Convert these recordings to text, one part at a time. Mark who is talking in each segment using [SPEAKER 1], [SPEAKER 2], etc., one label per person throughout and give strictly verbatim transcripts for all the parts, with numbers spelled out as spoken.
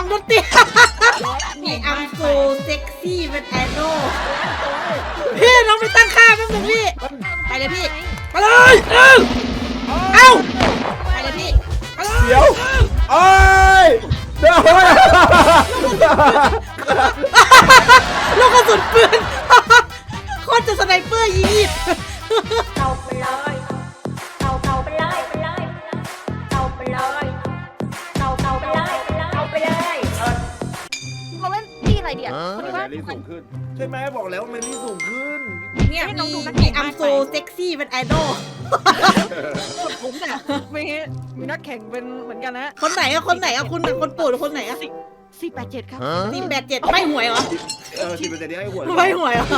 [SPEAKER 1] องดนตรีนี่อัมโซเซ็กซี่เป็นไอดอลพี่น้องไปตั้งค่าแป๊บนึงพี่ไปเลยพี่ไปเลยเอ้าเอ้าไปเลยพี่
[SPEAKER 2] เดี๋ยวโอ้ยเดี๋ยว
[SPEAKER 1] ลูกกระสุนปืนโคตรจะสไนเปอร์ยิง
[SPEAKER 3] เอาไปเลยเอาเอาไปเลยไปเลยเอาไปเลยเอาเอาไปเลยเอาไปเลย
[SPEAKER 4] มาเล่นที่อะไรเดี๋ยวคนที่ว่า
[SPEAKER 2] แมรี่สูงขึ้นใช่ไหมบอกแล้วแมรี่สูงขึ้น
[SPEAKER 1] เนี่ยมีมีอัมโซเซ็กซี่เป็นไอดอล
[SPEAKER 4] ผมเนี่ยมีมีนักแข่งเป็นเหมือนกันนะ
[SPEAKER 1] คนไหนอะคนไหนอะคุณคนปู่หรือคนไหนอะ
[SPEAKER 4] สี่แปดเจ็ดครับ
[SPEAKER 1] สี่แปดเจ็ดไม่หวยเหรอ
[SPEAKER 2] เออสี่แปดเจ็ดนี่ให้หวย
[SPEAKER 1] ไม่หวยเหรอ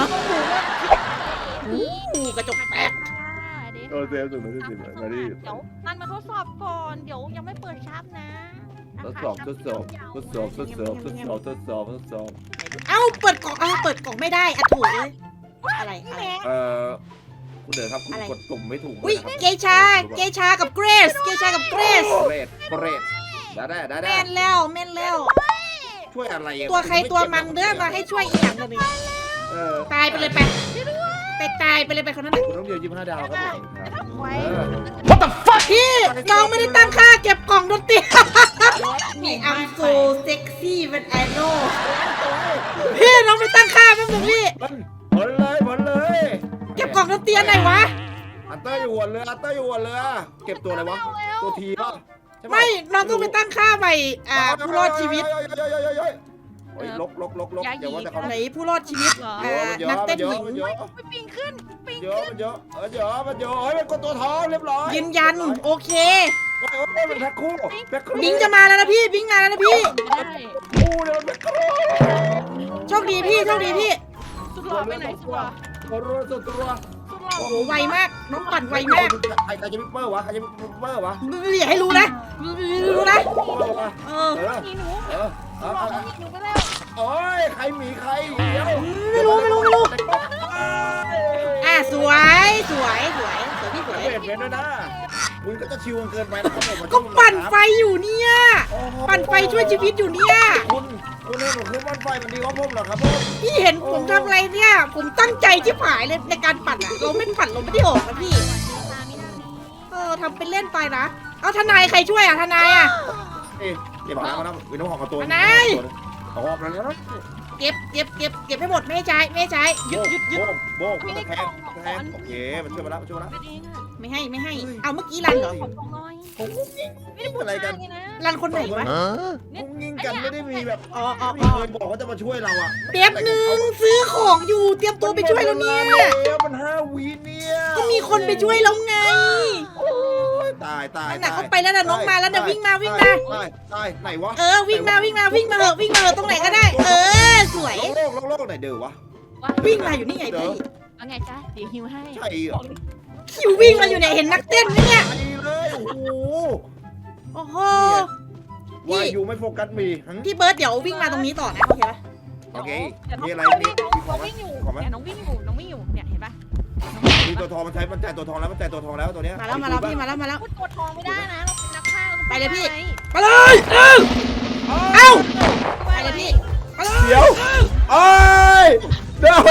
[SPEAKER 1] อู้กระจกแตก
[SPEAKER 2] โอเคสูงไม่ได้สิบแมรี่
[SPEAKER 4] เดี๋ยวมันมาทดสอบก่อนเดี๋ยวยังไม่เปิดชับนะ
[SPEAKER 2] ทดสอบทดสอบทดสอบทดสอบทดสอบทดสอบทดสอบ
[SPEAKER 1] เอ้าเปิดกล่องเอ้าเปิดกล่องไม่ได้อะถูกเลยอะไรอะไร
[SPEAKER 2] เออคุณเด๋อครับคุณกดปุ่มไม่ถูก
[SPEAKER 1] อุ้ยเกชาเกชากับเกรซเกชากับเกรซ
[SPEAKER 2] เกรซเกรซได้ได้ได้
[SPEAKER 1] แม่นแล้วแม่นแล้ว
[SPEAKER 2] ช่วยอะไร
[SPEAKER 1] ตัวใครตัวมันเด้อมาให้ช่วยอีกอย่างนึงตายไปเลยไปไปตายไปเลยไปคนนั้น
[SPEAKER 2] คุณต้องเดียวยี่สิบห้าดาวครับผม
[SPEAKER 1] What the fuck พี่น้องไม่ได้ตั้งค่าเก็บกล่องดนตรีนี่อัมโซเซ็กซี่เป็นไอดอลพี่น้องไปตั้งค่าแป๊บนึงพี่
[SPEAKER 2] ผลเลยผลเลย
[SPEAKER 1] เก็บกล่องดนตรีไหนวะ
[SPEAKER 2] อันเตอร์อยู่หัวเรืออันเตอร์อยู่หัวเรือเก็บตัวอะไรวะตัวทีป่ะ
[SPEAKER 1] ไม่น้องต้องไปตั้งค่าใหม่อ่าผู้รอดชีวิต
[SPEAKER 2] ลกลกลกลกเดี๋ยวว่าแต่เขา
[SPEAKER 1] ไหนผู้รอดชีวิตนักเต้นหญิง
[SPEAKER 4] ปิงขึ้นปิง
[SPEAKER 2] เยอะมันเยอะเออเยอะมันเยอะเฮ้ยเป็นคนตัวทองเรียบร้อย
[SPEAKER 1] ยืนยันโอเค
[SPEAKER 2] โอ้ยโอ้ยเป็นแพ็คคู่แพ็คคู่
[SPEAKER 1] บิงจะมาแล้วนะพี่บิงมาแล้วนะพี่
[SPEAKER 2] คู่เดี๋ยวแพ็คคู่
[SPEAKER 1] โชคดีพี่โชคดีพี่
[SPEAKER 4] สุดหล่อไปไหนสุดหล่อ
[SPEAKER 2] ตัวรัวตัวตัว
[SPEAKER 1] โอ้โหไวมากน้องปั่นไวมาก
[SPEAKER 2] ใครใครจะมิปเปอร์วะใครจะมิปเปอร์วะ
[SPEAKER 1] อย่าให้รู้นะรู้นะเออ
[SPEAKER 4] หนีหนู
[SPEAKER 2] เออเออ
[SPEAKER 4] หนีหนูไปแล้ว
[SPEAKER 2] โอ้ยใครหมีใครเดี๋ยว
[SPEAKER 1] ไม่รู้ไม่รู้ไม่รู้อ่ะสวยสวยสวยสวยพี่สวย
[SPEAKER 2] เปลี่ยนเป็นด้วยนะคุณก็จะชิวเกินไปนะครับผม
[SPEAKER 1] ก็ปั่นไฟอยู่เนี่ยปั่นไฟช่วยชีวิตอยู่เนี่ย
[SPEAKER 2] คุณคุณเห็นผมคือปั่นไฟมันดีกว่าผมเหรอครับผม
[SPEAKER 1] พี่เห็นผมทำอะไรเนี่ยผมตั้งใจชิบหายเลยในการปั่นอะเราไม่ปั่นเราไม่ได้ออกนะพี่เออทำเป็นเล่นไปนะเอาทนายใครช่วยอะทนายอะ
[SPEAKER 2] เอ๊ะเดี๋ยวมาแล้วนะวินโนของตัว
[SPEAKER 1] ทนาย
[SPEAKER 2] ออกแล้วนะ
[SPEAKER 1] เก็บเก็บเก็บเก็บให้หมดไม่ให้ใช้ไม่ให้ใช้ยึดยึดยึด
[SPEAKER 2] โบกแทงแทงโอเคมันช่วยมาแล้วมันช่วยมาแล้ว
[SPEAKER 1] ไม่ให้ไม่ให้เอาเมื่อกี้รันเหรอ
[SPEAKER 2] ผมไม่ได้อะไรกัน
[SPEAKER 1] รันคนไหนวะ
[SPEAKER 2] มุ้งยิงกันไม่ได้มีแบบ
[SPEAKER 1] อ๋ออ๋อ
[SPEAKER 2] มีคนบอกว่าจะมาช่วยเราอะ
[SPEAKER 1] เป๊บนึงซื้อของอยู่เตรียมตัวไปช่วยแล้วเนี่ย
[SPEAKER 2] มันห้าวีเนี่ย
[SPEAKER 1] ก็มีคนไปช่วยแล้วไง
[SPEAKER 2] ตายตาย
[SPEAKER 1] หนักเข้าไปแล้วนะน้องมาแล้วนะวิ่งมาวิ่งมา
[SPEAKER 2] ตายตายไหนวะ
[SPEAKER 1] เออวิ่งมาวิ่งมาวิ่งมาเหอะวิ่งมาเหอะตรงไหนก็ได้เออสวย
[SPEAKER 2] โลกโลกโลกไหนเด้อวะ
[SPEAKER 1] วิ่งมาอยู่นี่ไงพี่
[SPEAKER 4] ว่าไงจ๊ะเดี๋ยวฮิวให้
[SPEAKER 2] ใช่เหรอ
[SPEAKER 1] คิววิ่งมาอยู่เนี่ยเห็นนักเต้นไหมเนี่ย
[SPEAKER 2] เลยโอ้โห
[SPEAKER 1] โอ้โห
[SPEAKER 2] วายอยู่ไม่โฟกัสมี
[SPEAKER 1] พี่เบิร์ดเดี๋ยววิ่งมาตรงนี้ต่อนะโอเคปะ
[SPEAKER 2] โอเคมีอะไรนี่
[SPEAKER 4] น้องวิ่งอยู่เนี่ยน้องวิ่งอยู่น้องวิ่งอยู่เนี่ยเห็นปะ
[SPEAKER 2] มีตัวทองมันใช้มันจ่ายตัวทองแล้วมันจ่ายตัวทองแล้วตัวเนี้ย
[SPEAKER 1] มาแล้วมาแล้วพี่มาแล้วมาแล้ว
[SPEAKER 4] ตัวทองไม่ได้นะเราเป็นนักฆ่า
[SPEAKER 1] ไปเลยพี่ไปเลยเอ้าเอ้าไปเลยพี่
[SPEAKER 2] เดี๋ยวโอ้ยเดี๋ยว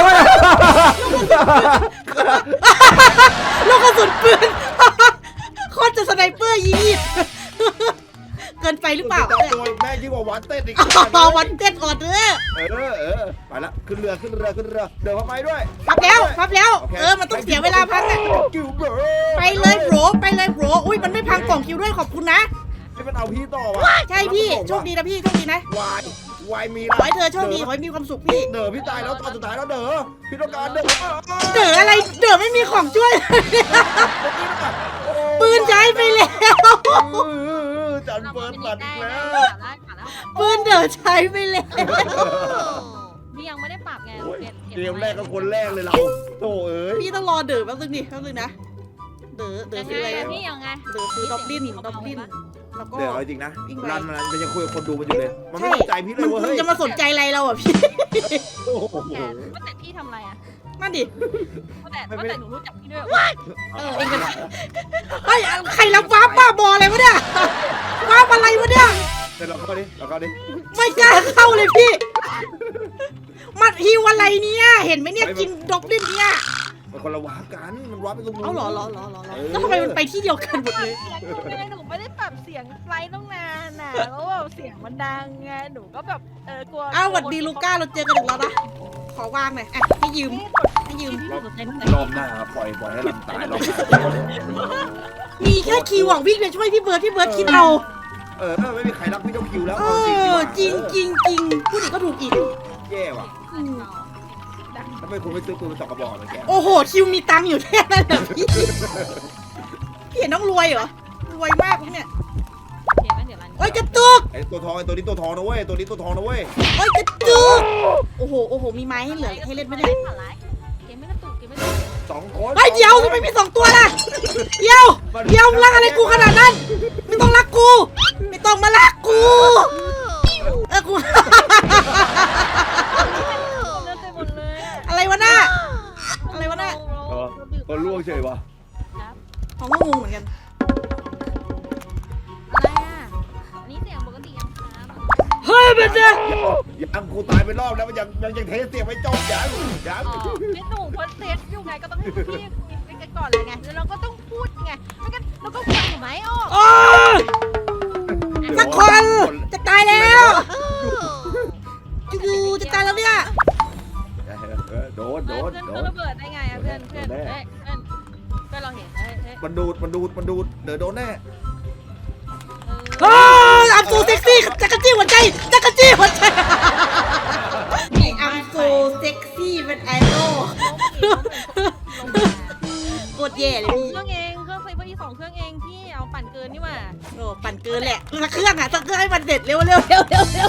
[SPEAKER 1] ลูกกระสุนปืนโคตรจะสไนเปอร์ยิงเกินไปหรือเปล่า
[SPEAKER 2] แม่ยิ่งกว่าวันเต้นอีก
[SPEAKER 1] วันเต้นออเดอร์
[SPEAKER 2] เออเออไปละขึ้นเรือขึ้นเรือขึ้นเรือเดี๋ยวเข้าไปด้วย
[SPEAKER 1] พับแล้วพับแล้วเออมันต้องเสียเวลาพักอ่ะไปเลยโบรไปเลยโบรอุ้ยมันไม่พังกล่องคิวด้วยขอบคุณนะ
[SPEAKER 2] ให้มันเอาพี่ต่อวะ
[SPEAKER 1] ใช่พี่โชคดีนะพี่โชคดีนะ
[SPEAKER 2] วายวายมี
[SPEAKER 1] ขอให้เธอโชคดีขอให้มีความสุขพี่
[SPEAKER 2] เด๋อพี่ตายแล้วตอนสุดท้ายแล้วเด๋อพี่ต้องการเด๋อ
[SPEAKER 1] เด๋ออะไรเด๋อไม่มีของช่วยปืนใช้ไปแล้ว
[SPEAKER 2] จันเปิดตัดแล้ว
[SPEAKER 1] ปืนเด๋อใช้ไปแล้ว
[SPEAKER 4] พี่ยังไม่ได้ปรับไง
[SPEAKER 2] เกมแรกก็คนแรกเลยเราโธ่เอ้ย
[SPEAKER 1] พี่ต้องรอเด๋อแป๊บนึงดิแป๊บนึงนะเด๋อเด๋อซื้ออะไร
[SPEAKER 4] พี่ยังไง
[SPEAKER 1] เด๋อซื้อด็อบลินด็อบลิน
[SPEAKER 2] เดี๋ยวจริงนะรันมันมันยังคุยกับคนดูมันอยู่เลยมันไม่สนใจพี่เลยว่าเฮ้ย
[SPEAKER 1] จะมาสนใจอะไรเราอ่ะพี่
[SPEAKER 4] ว่าแต่พี่ทำอะไรอ่ะ
[SPEAKER 1] นั่นดิ
[SPEAKER 4] ว่าแต่ว่าแต่หนูรู้จักพี่ด้วย
[SPEAKER 1] เออเองกันเฮ้ยใครรับวาร์ปบ้าบออะไรวะเนี่ย วาร์ปอะไรวะเนี่ย
[SPEAKER 2] เดี๋ยวเราเข้าดิเราเขาดิ
[SPEAKER 1] ไม่กล้าเข้าเลยพี่มัดฮิวอะไรเนี่ยเห็นไหมเนี่ยกินดอกลิ้นเนี่ย
[SPEAKER 2] มันคนละวาร์ปกันมันวาร์ปไปตรงนู้น
[SPEAKER 1] เอาเหรอเหรอเหรอเหรอแล้วทำไมมันไปที่เดียวกันหมดเลย
[SPEAKER 4] เสียงหนูไงหนูไม่ได้ปรับเสียงไลน์ต้องนานน่ะแล้วแบบเสียงมันดังไงหนูก็แบบเออกลัว
[SPEAKER 1] อ้าวสวัสดีลูก้าเราเจอกันอีกแล้วนะขอวางหน่อยอ่ะให้ยืมให้ยืม
[SPEAKER 2] รอบหน้าปล่อยปล่อยให้ลำตายรอบหน้า
[SPEAKER 1] มีแค่คิวหวังวิ่งไปช่วยพี่เบิร์ดพี่เบิร์ดคิดเอา
[SPEAKER 2] เออไม่มีใครรักพี่เจ้าคิวแล้ว
[SPEAKER 1] เออจริงจริงจริงพูดอีกก็ถูกอีก
[SPEAKER 2] แย่ว่ะทำไมคุณไม่ซื้อปืนมาสองกระบอกเลยแก
[SPEAKER 1] โอ้โหคิวมีตังค์อยู่แค่นั้นเหรอพี่พี่เห็นต้องรวยเหรอรวยมากพวกเนี่ยโอ้ยกระตุก
[SPEAKER 2] ไอตัวทองไอตัวนี้ตัวทองนะเว้ยตัวนี้ตัวทองนะเว้ย
[SPEAKER 1] โอ้ยกระตุกโอ้โหโอ้โหมีไม้ให้เหลือให้เล่นไม่ได้
[SPEAKER 3] เกมไม่กระตุกเกมไม่กระตุก
[SPEAKER 2] สองคน
[SPEAKER 1] เฮ้ยเดี๋ยวทำไมมีสองตัวล่ะเดี๋ยวเดี๋ยวรักอะไรกูขนาดนั้นไม่ต้องรักกูไม่ต้องมารักกูเออกู
[SPEAKER 4] เลือดเต็มหมดเลยอะ
[SPEAKER 1] อะไรวะน่ะอะไรวะน่ะ
[SPEAKER 2] ตัวล่วงเฉยวะ
[SPEAKER 1] เขาก็งงเหมือนกัน
[SPEAKER 3] อะไรอ่ะอันนี้เสียงปกติยังครับ
[SPEAKER 1] เฮ้ยเบนเจ
[SPEAKER 2] ยังกูตายไปรอบแล้วมันยังยังยังเทสเสียงไม่จบยังยัง
[SPEAKER 4] อ๋อพี่หนูพอเซตอยู่ไงก็ต้องให้พี่คุยกันก่อนเลยไงแล้วเราก็ต้องพูดไงไม่งั้นเราก็ฟังหนูไหมอ้อ
[SPEAKER 1] โอ้ยสักคนจะตายแล้วจูจะตายแล้วเนี่ย
[SPEAKER 2] โดนโดน
[SPEAKER 4] เพื่อน
[SPEAKER 2] โด
[SPEAKER 4] เพื่อน
[SPEAKER 2] น
[SPEAKER 4] ระเบิดได้ไงอะเพื่อนเพื่อนเฮ้ยเพื่อนเพื่อนเราเห็นเฮ้ยเฮ้ย
[SPEAKER 2] มันดูดมันดูดมันดูดเดี๋ยวโดนแน่
[SPEAKER 1] เฮ้ยอัมโซเซ็กซี่จักรจี้หัวใจจักรจี้หัวใจอัมโซเซ็กซี่เป็นไอดอลโคตรแย่เลยพี่
[SPEAKER 4] เครื่องเองเครื่องไฟเบอร์อีสองเครื่องเองพี่เอาปั่นเกินนี่หว่า
[SPEAKER 1] โอ้ปั่นเกินแหละสักเครื่องอ่ะสักเครื่องให้มันเสร็จเร็วเร็วเร็วเร็วเร็ว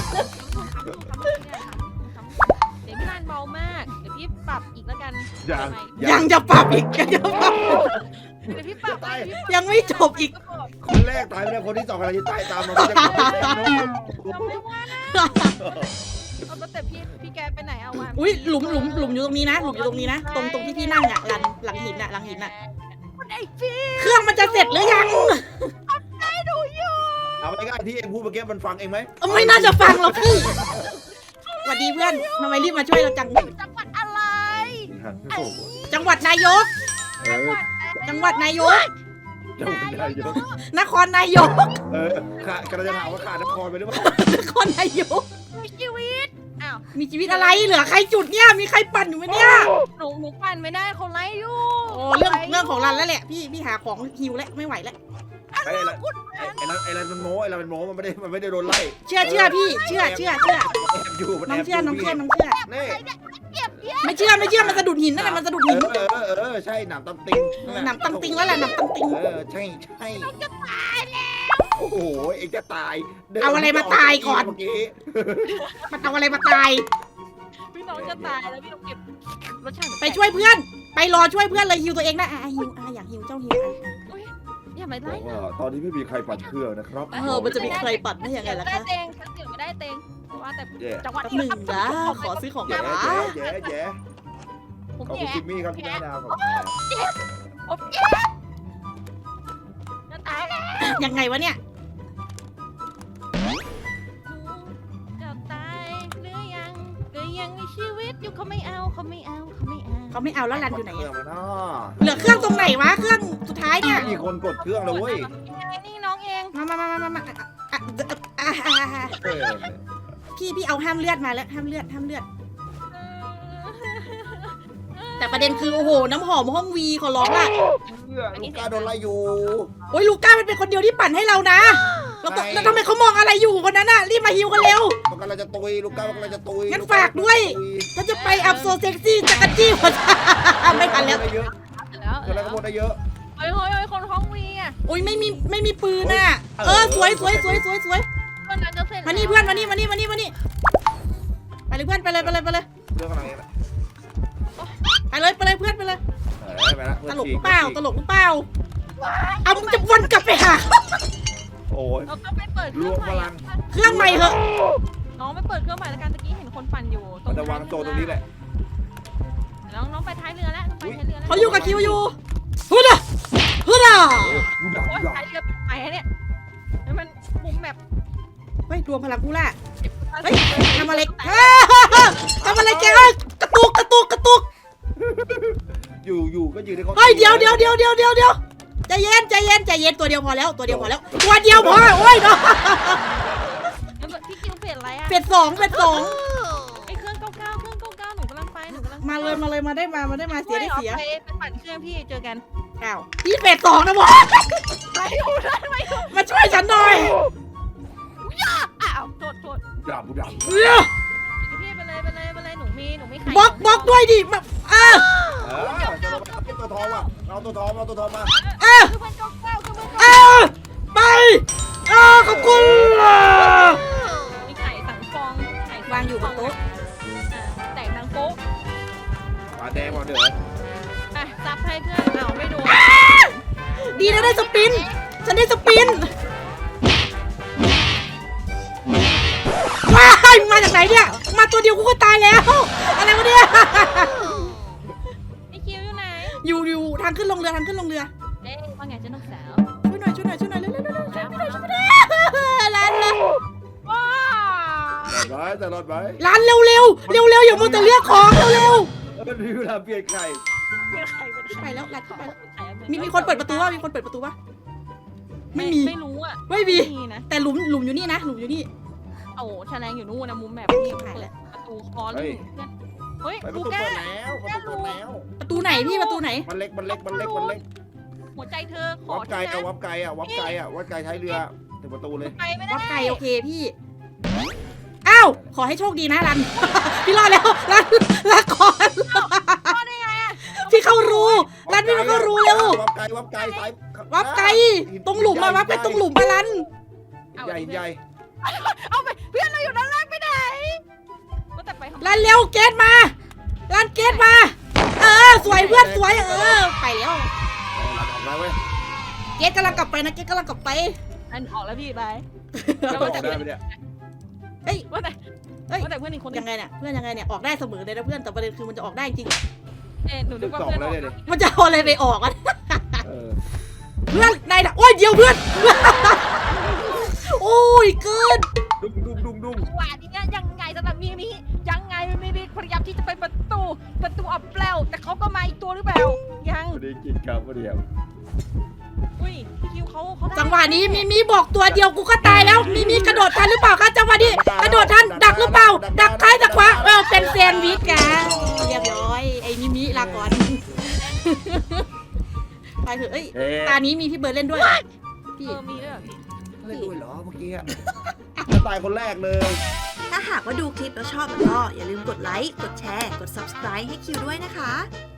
[SPEAKER 4] เดี๋ยวพี่ลานเบามาก เดี๋ยวพี่ปรับอีกแล้วกัน
[SPEAKER 2] ยัง
[SPEAKER 1] ยังจะปรับอีกยังจะปรับ
[SPEAKER 4] เดี๋ยวพี่ปรับ
[SPEAKER 1] ยังไม่จบอีก
[SPEAKER 2] คนแรกตายไปแล้วคนที่สองกำลังจะตายตามมาจะ
[SPEAKER 4] จำไม่ว่าเอาแต่พี่พี่แกไปไหนเอาวะ
[SPEAKER 1] อุ้ยหลุมหลุมหลุมอยู่ตรงนี้นะหลุมอยู่ตรงนี้นะตรงตรงที่พี่นั่งอ่ะหลังหลังหินอ่ะหลังหินอ่ะ
[SPEAKER 4] คนไอ้พี่
[SPEAKER 1] เครื่องมันจะเสร็จหรือยัง
[SPEAKER 4] ไอ้หนูอยู่
[SPEAKER 2] เอาไปง่ายที่เองพูดเมื่อกี้มันฟังเองไหม
[SPEAKER 1] เอ้าไม่น่าจะฟังหรอกพี่สวัสดีเพื่อนทำไมรีบมาช่วยเราจัง
[SPEAKER 4] จังหวัดอะไร
[SPEAKER 1] จังหวัดนายก
[SPEAKER 2] เออ
[SPEAKER 1] จังหวัดนายก
[SPEAKER 2] จังหวัดนายก
[SPEAKER 1] นครนายก
[SPEAKER 2] เออขาดกระจะถามว่าขาดนครไปหรือเปล่าน
[SPEAKER 1] ครนายก
[SPEAKER 4] มีชีวิตอ้าว
[SPEAKER 1] มีชีวิตอะไรเหลือใครจุดเนี่ยมีใครปั่นอยู่ไหมเนี่ย
[SPEAKER 4] หนูหนูปั่นไม่ได้เขาไล่อยู่
[SPEAKER 1] โอ้เรื่องเรื่องของรันแล้วแหละพี่พี่หาของฮิวแล้วไม่ไหวแล้ว
[SPEAKER 2] ไอ้ไรไอ้ไรไอ้ไรมันโม้ไอ้ไรมันโม้มันไม่ได้มันไม่ได้โดนไล่
[SPEAKER 1] เชื่อเชื่อพี่เชื่อเชื่อเชื่อ
[SPEAKER 2] แอบอยู่มัน
[SPEAKER 1] น้
[SPEAKER 2] แอ
[SPEAKER 1] อง
[SPEAKER 2] บ
[SPEAKER 1] เชื่อน้องเชื่อน้องเชื่อ
[SPEAKER 2] นี่
[SPEAKER 4] เก็บเยอะ
[SPEAKER 1] ไม่เชื่อไม่เชื่อมันสะดุดหินนั่นแหละมันสะดุด
[SPEAKER 2] เอ
[SPEAKER 1] หิน
[SPEAKER 2] อเออเออใช่หนามตำติง
[SPEAKER 1] หนำตังติงแล้วแหละหนำตังติง
[SPEAKER 2] เออใช่ใช่จะตายแล้วโอ้โหเอ็งจะตายเมื่อกี้
[SPEAKER 1] มันเอาอะไรมาตาย
[SPEAKER 4] พี่น้องจะตายแล้วพี่ต้องเก็บรสชาติ
[SPEAKER 1] ไปช่วยเพื่อน ไปรอช่วยเพื่อนเลยฮิวตัวเองนะอ่ะฮิวอ่ะอยากฮิวเจ้าฮิวอ่ะ
[SPEAKER 4] อย่ามา
[SPEAKER 2] บ
[SPEAKER 4] ไล่
[SPEAKER 2] อก
[SPEAKER 4] หนู
[SPEAKER 2] ว่าตอนนี้ไม่มีใครปัดเครื่องนะครับ
[SPEAKER 1] เออมันจะมีใครปัดได้ยังไงล่ะ
[SPEAKER 4] ได้
[SPEAKER 1] คะ
[SPEAKER 4] เตงฉันเสียไม่ได้เตงว่าแต่
[SPEAKER 2] แย่
[SPEAKER 4] จังหวัด
[SPEAKER 1] แป๊บหนึ่งนะขอซื้อของ
[SPEAKER 2] แย่
[SPEAKER 1] ก่อนนะ
[SPEAKER 2] แย่แย่
[SPEAKER 4] ผม
[SPEAKER 2] ขอบคุณ
[SPEAKER 4] แย่
[SPEAKER 2] จิมมี่ครับที่แนะนำผม
[SPEAKER 4] ผมแย่จะตายแล้ว
[SPEAKER 1] ยังไงวะเนี่ย
[SPEAKER 4] จะตายหรือยังก็ยังมีชีวิตอยู่เขาไม่เอาเขาไม่เอาเขาไม่เอา
[SPEAKER 1] เขาไม่เอาแล้วรันอยู่ไหน
[SPEAKER 2] เครื่อ
[SPEAKER 1] อะ
[SPEAKER 2] งมันอ่ะ
[SPEAKER 1] เหลือเครื่องตรงไหนวะเครื่องสุดท้ายเนี่ย
[SPEAKER 2] มีคนกดเครื่องแล้วเว้ย
[SPEAKER 4] นี่น้องเอง
[SPEAKER 1] มามามามามามาอ่ะอ่ะอ่ะอ่ะอ่ะ
[SPEAKER 2] เออ
[SPEAKER 1] พี่พี่เอาห้ามเลือดมาแล้วห้ามเลือดห้ามเลือด แต่ประเด็นคือโอ้โหน้ำหอมห้องวีขอร้องล่ะ
[SPEAKER 2] ลูกกาโดนไล่อยู่
[SPEAKER 1] โอ้ยลูก้ามันเป็นคนเดียวที่ปั่นให้เรานะแล้วก็แล้วทำไมเขามองอะไรอยู่คนนั้นน่ะรีบมาฮิวกันเร็ว
[SPEAKER 2] มันกำลังจะตุยลูกกามันกำลังจะตุย
[SPEAKER 1] งั้นฝากด้วย ถ้าจะไปอัพโซเซ็กซี่จักรจี้หัวใจไม่ทันแล้ว
[SPEAKER 2] ได้เยอะ
[SPEAKER 4] แล้ว
[SPEAKER 2] คนละก็หมดได้เยอะ
[SPEAKER 4] เฮ้ยเฮ้ยเฮ้ยคนห้องวีอ่ะ
[SPEAKER 1] โอ้ยไม่มีไม่มีปืนน่ะเออสวยสวยสวยสวยสวย
[SPEAKER 4] เพื่อนนั้นจะเสร็จ
[SPEAKER 1] มานี่เพื่อนมานี่มานี่มานี่มานี่ไปเลยเพื่อนไปเลยไปเลยไปเลย
[SPEAKER 2] เรื่องอะไรนะ
[SPEAKER 1] ไปเลยไปเลยเพื่อนไปเลย
[SPEAKER 2] เออไปละ
[SPEAKER 1] ตลกหรือเปล่าตลกหรือเปล่าเอามึงจะวนกลับไปหา
[SPEAKER 2] โอ้ย
[SPEAKER 4] เราต้องไปเปิดเครื่องใหม่
[SPEAKER 1] เครื่องใหม่เหอะ
[SPEAKER 4] น้องไปเปิดเครื่องใหม่แล้วกันตะกี้เห็นคนปั่นอยู่
[SPEAKER 2] มันจะวางโซนตรงนี้แหละ
[SPEAKER 4] น้องน้องไปท้ายเรือแล้วไปท้ายเรือแล้ว
[SPEAKER 1] เขาอยู่กับคิวอยู่ฮึดอ่ะฮึดอ่ะ
[SPEAKER 2] ดูดับ
[SPEAKER 4] โอ้ย
[SPEAKER 2] ดูดับ
[SPEAKER 4] ท้ายเรือไปเนี่ยให้มันมุมแบบ
[SPEAKER 1] เฮ้ยรวมพลังกูล่ะเฮ้ยทำอะไรทำอะไรแกเอ้ยกระตุกกระตุกกระตุก
[SPEAKER 2] อยู่อยู่ก็ยืนในเขา
[SPEAKER 1] เฮ้ยเดี๋ยวเดี๋ยวเดี๋ยวเดี๋ยวเดี๋ยวเดี๋ยวใจเย็นใจเย็นใจเย็นตัวเดียวพอแล้วตัวเดียวพอแล้วตัวเดียวพอโอ้ยเนาะ
[SPEAKER 4] พี่คิวเปลี่ยนอะไรอะ
[SPEAKER 1] เป็ดสองเป็ดสอง
[SPEAKER 4] ไอเครื่องเก้าเก้าเครื่องเก้าเก้าหนูกำลังไปหนูกำลังไป
[SPEAKER 1] มาเลยมาเลยมาได้มามาได้มาเสียได้เสีย
[SPEAKER 4] ไปไปปั่นเครื่องพี่เจอกัน
[SPEAKER 1] อ้าวพี่เป็ดสองนะบอส
[SPEAKER 4] ไปอยู่ได้ไหม
[SPEAKER 1] มาช่วยฉันหน่อย
[SPEAKER 4] อ้าวโทษโทษ
[SPEAKER 2] ดาบดาบ
[SPEAKER 1] เร็ว
[SPEAKER 4] พี่ไปเลยไปเลยไปเลยหนูมีหนูมีไข่
[SPEAKER 1] บล็อกบล็อกด้วยดิมาอ้า
[SPEAKER 2] เออจะลงมาเป็นตัวทองอ่ะเอาตัวทองเอาตัวทองมา
[SPEAKER 1] อ้า
[SPEAKER 4] คือเป็นเก้าเก้าคือเป็น
[SPEAKER 1] อ้าไปอ้าขอบคุณ
[SPEAKER 4] มีไข่สังฟองไข่
[SPEAKER 1] วางอยู่บนโต๊ะ
[SPEAKER 4] แตกดังโป๊ะ
[SPEAKER 2] ปลาแดงมาเด้อ
[SPEAKER 4] อ่ะซับให้เพื่อนเอาไม่โดน
[SPEAKER 1] ดีนะได้สปินฉันได้สปินว้ายมาจากไหนเนี่ยมาตัวเดียวกูก็ตายแล้วอะไรวะเนี่ย
[SPEAKER 4] ไอคิวอยู่ไหน
[SPEAKER 1] อยู่อยู่ทางขึ้นลงเรือทางขึ้นลงเรือ
[SPEAKER 4] เอ๊ะว่าไงเจ้าน้องสาว
[SPEAKER 1] ช่วยหน่อยช่วยหน่อยช่วยหน่อยเร็วเร็วเร็วเร็วช่วยหน่อยช่วยหน่อยร้านละ
[SPEAKER 4] ว้า
[SPEAKER 2] แต่ร้อยแต่รอดไหม
[SPEAKER 1] ร้านเร็วเร็วเร็วเร็วอย่ามัวแต่เลือกของเร็วเร็ว
[SPEAKER 2] มันมีเวลาเปลี่ยนไข่
[SPEAKER 4] เป็นใครเป็นใคร
[SPEAKER 1] ไปแล้วร้านเข้าไปแล้ว
[SPEAKER 4] ใครอะ
[SPEAKER 1] มีมีคนเปิดประตูวะมีคนเปิดประตูวะไม่มี
[SPEAKER 4] ไม่รู้อ่ะ
[SPEAKER 1] ไม่มี
[SPEAKER 4] มีนะ
[SPEAKER 1] แต่หลุมหลุมอยู่นี่นะหลุมอยู่นี่
[SPEAKER 4] โอ้แฉลงอยู่นู่นนะมุมแบบนี้
[SPEAKER 1] หายแล้ว
[SPEAKER 4] ประตูคอเลยเฮ้ย
[SPEAKER 2] ไปประ
[SPEAKER 4] ดู
[SPEAKER 2] ตู
[SPEAKER 4] แก้
[SPEAKER 2] เปิดแล้วประตูเปิดแล้ว
[SPEAKER 1] ประตูไหนพี่ประตูไหน
[SPEAKER 2] มันเล็กมันเล็กมันเล็กมันเล็ก
[SPEAKER 4] หัวใจเธอขอ
[SPEAKER 2] วับไกล
[SPEAKER 4] ที่
[SPEAKER 2] เอา
[SPEAKER 4] นะ
[SPEAKER 2] วับไกลอ่ะวับไกลอ่ะวับไกลใช้เรือถึงประตูเลย
[SPEAKER 4] ไปไม่ได้
[SPEAKER 1] วัดไกลโอเคพี่อ้าวขอให้โชคดีนะรัน พี่รอดแล้วรันลาก่อน
[SPEAKER 4] รอดได้ไงอะ
[SPEAKER 1] พี่เข้ารูรันพี่เข้ารูเร็ว
[SPEAKER 2] วับไกลวับไกลสาย
[SPEAKER 1] วับไกลตรงหลุมมาวับไปตรงหลุมมารัน
[SPEAKER 2] ใหญ่ใหญ่
[SPEAKER 4] เอาไปเพื่อนเราอยู่ด้านล่างไปไหนก็แต่ไปทำ
[SPEAKER 1] รันเร็วเกตมารันเกตมาเออสวยเพื่อนสวยเออไปแล้ว
[SPEAKER 2] หลังออกแล้วเว้ย
[SPEAKER 1] เกตกำลังกลับไปนะเกตกำลังกลับไป
[SPEAKER 4] อันออกแล้วพี่ไป
[SPEAKER 2] จะออกได้ไหมเนี่ย
[SPEAKER 1] เฮ้ย
[SPEAKER 4] ว่าแต่
[SPEAKER 1] เฮ้ย
[SPEAKER 4] ว่าแต่เพื่อนอีกคนนึ
[SPEAKER 1] ยัง งไงเนี่ยเพื่อนยังไงเนี่ยออกได้เสมอเลยนะเพื่อนแต่ประเด็นคือมันจะออกได้จริง
[SPEAKER 4] เอ๊ะหนูนึกว่า
[SPEAKER 2] สอง
[SPEAKER 4] เพื่อน
[SPEAKER 2] แล้ว
[SPEAKER 4] ออก
[SPEAKER 2] เนี่ย
[SPEAKER 1] มันจะเอาอะไรไปออกอ่ะ
[SPEAKER 2] เออ
[SPEAKER 1] เพื่อนนายโอ้ยเดียวเพื่อน โอ้ยเกิน
[SPEAKER 2] ดุ้งดุ้งดุ้งดุ้ง
[SPEAKER 4] ว่านี้ยังไงสำหรับมีนี้ยังไงมีนี้พยายามที่จะไปประตูประตูอับเปล่าแต่เขาก็มาอีกตัวหรือเปล่ายัง
[SPEAKER 2] ไม่ได้กินครับไม่ได้
[SPEAKER 4] อุ้ยพี่คิวเขาเขาได้
[SPEAKER 1] จังหวะนี้มีมีบอกตัวเดียวกูก็ตายแล้วมีมีกระโดดทันหรือเปล่าคะจังหวะนี้กระโดดทันดักหรือเปล่า ดักท้ายดักขวาเออเป็นแซนด์วิชกันเรียบร้อยไอ้มิมิลาก่อน ไปเถอะเอ้ย
[SPEAKER 2] เอ๊ะ
[SPEAKER 1] ตานี้มีพี่เบิร์ดเล่นด้วยพี่
[SPEAKER 4] เออมีด้วยเหรอพี่
[SPEAKER 2] เล่นด้วยเหรอเมื่อกี้อะจะตายคนแรกเลย
[SPEAKER 5] ถ้าหากว่าดูคลิปแล้วชอบก็อย่าลืมกดไลค์ กดแชร์ กด ซับสไครบ์ ให้คิวด้วยนะคะ